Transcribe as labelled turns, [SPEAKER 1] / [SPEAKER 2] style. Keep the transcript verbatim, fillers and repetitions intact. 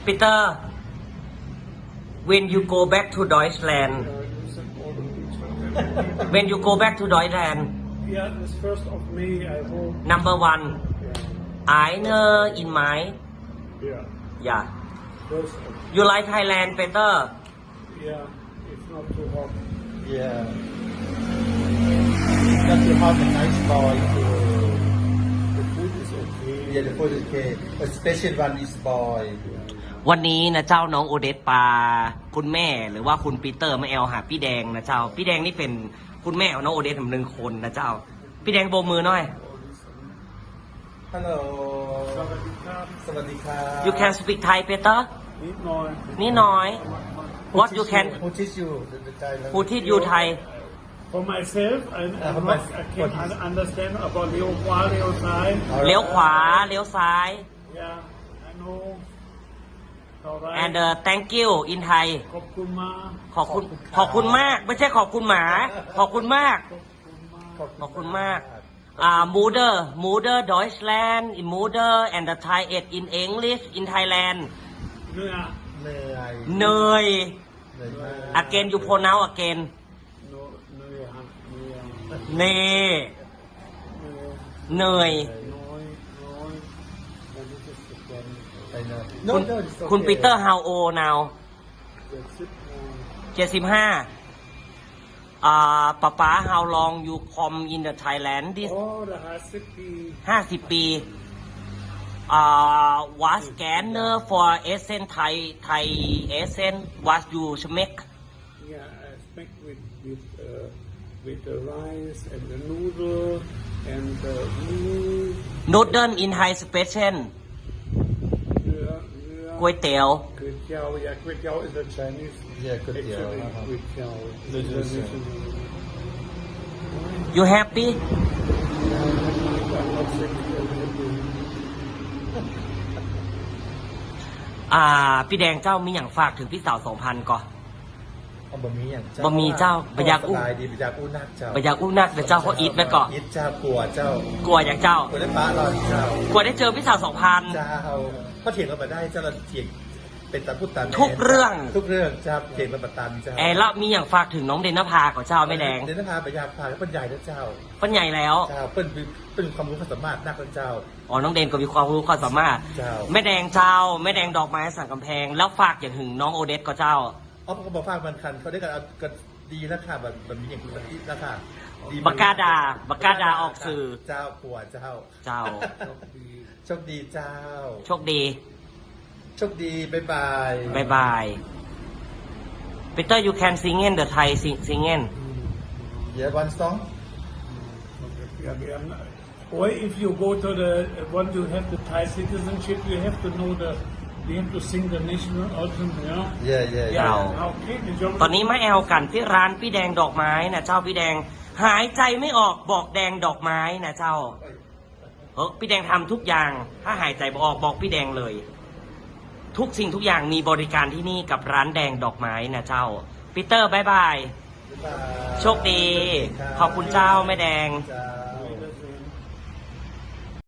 [SPEAKER 1] Peter when you go back to Deutschland when you go back to Deutschland
[SPEAKER 2] Yeah, this first of May, I hope.
[SPEAKER 1] number one
[SPEAKER 2] Yeah.
[SPEAKER 1] Eine in my
[SPEAKER 2] Yeah.
[SPEAKER 1] yeah
[SPEAKER 2] First of,
[SPEAKER 1] you like Thailand Peter
[SPEAKER 2] yeah, it's not too hot.
[SPEAKER 3] Yeah. Not too hot and nice boy.
[SPEAKER 2] The food is okay.
[SPEAKER 3] Yeah, the food is okay. But special one is boy.
[SPEAKER 1] วันนี้นะเจ้าน้องโอเดสปาคุณแม่หรือว่าคุณปีเตอร์มาแอลหาพี่แดงนะเจ้าพี่แดงนี่เป็นคุณแม่ของน้องโอเดสหนึ่งคนนะเจ้าพี่แดงโบกมือหน่อย
[SPEAKER 3] Hello.
[SPEAKER 2] สวัสดีครับ
[SPEAKER 3] สวัสดีครับ
[SPEAKER 1] you can speak Thai Peter
[SPEAKER 2] นิดหน่อย
[SPEAKER 1] นี่น้อย what you can
[SPEAKER 3] Who teach you the, the Thai language?
[SPEAKER 1] who teach you Thai
[SPEAKER 2] For myself, I,
[SPEAKER 3] Uh,
[SPEAKER 2] I'm
[SPEAKER 3] for
[SPEAKER 2] not,
[SPEAKER 3] my-
[SPEAKER 2] I
[SPEAKER 3] what
[SPEAKER 2] can
[SPEAKER 3] is-
[SPEAKER 2] understand about Leo Hua, Leo Sai.
[SPEAKER 1] เลี้ยวขวาเลี้ยวซ้าย
[SPEAKER 2] Yeah, I know. Alright.
[SPEAKER 1] and uh, thank you in Thai
[SPEAKER 2] ขอบคุณมาก
[SPEAKER 1] ขอบคุณขอบคุณมาก ไม่ใช่ขอบคุณหมา ขอบคุณมาก ขอบคุณมากอ่า mother mother Deutschland in mother and the Thai it in English in Thailand
[SPEAKER 2] เนื้อ
[SPEAKER 3] เหนื่อย
[SPEAKER 1] เนย
[SPEAKER 3] เหนื่อยมาก
[SPEAKER 1] again you pronounce again
[SPEAKER 2] เนื้อเนื้อเนื้อ
[SPEAKER 1] เน
[SPEAKER 2] เนื้อ
[SPEAKER 1] เนย
[SPEAKER 2] น้อยน้อยมันจะสแกน
[SPEAKER 3] I know.
[SPEAKER 1] คุณ
[SPEAKER 3] No, no, it's okay.
[SPEAKER 1] คุณปีเตอร์ how old now
[SPEAKER 2] เจ็ดสิบโมง
[SPEAKER 1] เจ็ดสิบห้าอ่าป๊าป๊า how long you come in the Thailand this
[SPEAKER 2] โอ้ละห้าสิบปี
[SPEAKER 1] ห้าสิบปีอ่า was scanner for Essence Thai Thai Essence was you smack
[SPEAKER 2] Yeah, I speak with with uh, with the rice and the noodle and the meat.
[SPEAKER 1] noodle in Thai special
[SPEAKER 2] เนื้อเนื้อ
[SPEAKER 1] ก๋วยเตี๋ยว
[SPEAKER 2] ก๋วยเตี๋ยว yeah ก๋วยเตี๋ยว is a Chinese
[SPEAKER 3] Yeah, ก๋วยเตี๋ยว
[SPEAKER 2] actually
[SPEAKER 3] อ่าฮะ
[SPEAKER 2] ก๋วยเตี๋ยว
[SPEAKER 3] ก๋วยเตี๋ยว
[SPEAKER 2] international
[SPEAKER 1] you happy
[SPEAKER 2] I'm not sick I'm happy
[SPEAKER 1] อ่าพี่แดงเจ้ามีอย่างฝากถึงพี่สาวสองพันก่อน
[SPEAKER 3] เอาบะหมี่อย่างเจ้า
[SPEAKER 1] บะหมี่เจ้าบะหยากอู้
[SPEAKER 3] สบายดีบะหยากอู้นักเจ้า
[SPEAKER 1] ไปอยากอุ้มนักเดี๋ยวเจ้าเขาอีทไว้ก่อน
[SPEAKER 3] อีทเจ้ากลัวเจ้าก
[SPEAKER 1] ลัวอย่างเจ้า
[SPEAKER 3] กลัวได้ป้าเราเจ้าก
[SPEAKER 1] ลัวได้เจอพี่สาวสองพัน
[SPEAKER 3] เจ้าก็เถียงกันมาได้เจ้าเราเถียงเป็นตาพูดตาม
[SPEAKER 1] ทุกเรื่อง
[SPEAKER 3] ทุกเรื่องเจ้าเถียงกันมาตามเจ้า
[SPEAKER 1] แอร์แล้วมีอย่างฝากถึงน้องเดนนภาก่อนเจ้าไม่แดง
[SPEAKER 3] เดี๋ยวนะพาไปยาพาแล้วเป็นใหญ่นะเจ้า
[SPEAKER 1] ปัญใหญ่แล้ว
[SPEAKER 3] เจ้าเป็นเป็นความรู้ความสามารถนักนะเจ้า
[SPEAKER 1] อ๋อน้องเดนก็มีความรู้ความสามารถ
[SPEAKER 3] เจ้า
[SPEAKER 1] แม่แดงเจ้าแม่แดงดอกไม้สั่งกำแพง แล้วฝากอย่างถึงน้องโอเดสก็เจ้า
[SPEAKER 3] อ๋อเขาบอกฝากมันคันเขาได้กันเอากันดีแล้วค่ะแบบแบบนี้อย่างคุณอีทแล้วค่ะดี
[SPEAKER 1] บักกาดาบักกาดาออกสื่อ
[SPEAKER 3] เจ้าปัวเจ้า
[SPEAKER 1] เจ้า
[SPEAKER 3] โชคดีเจ้า
[SPEAKER 1] โชคดี
[SPEAKER 3] โชคดีบ๊ายบาย
[SPEAKER 1] บายบาย Peter you can sing in the Thai sing singing
[SPEAKER 3] เดี๋ยววันสอง
[SPEAKER 2] Yeah, we are not- or if you go to the once you have the Thai citizenship you have to know the you have to sing the national anthem yeah
[SPEAKER 3] เย่เย่
[SPEAKER 1] เจ้า
[SPEAKER 2] okay the job
[SPEAKER 1] ตอนนี้มาแอลกันที่ร้านพี่แดงดอกไม้นะเจ้าพี่แดงหายใจไม่ออกบอกแดงดอกไม้นะเจ้าเออพี่แดงทำทุกอย่างถ้าหายใจไม่ออกบอกพี่แดงเลย ทุกสิ่งทุกอย่างมีบริการที่นี่กับร้านแดงดอกไม้นะเจ้าปีเตอร์บายบาย
[SPEAKER 3] บ๊ายบาย
[SPEAKER 1] โชคดี ขอบคุณเจ้าแม่แดง
[SPEAKER 3] เจ้า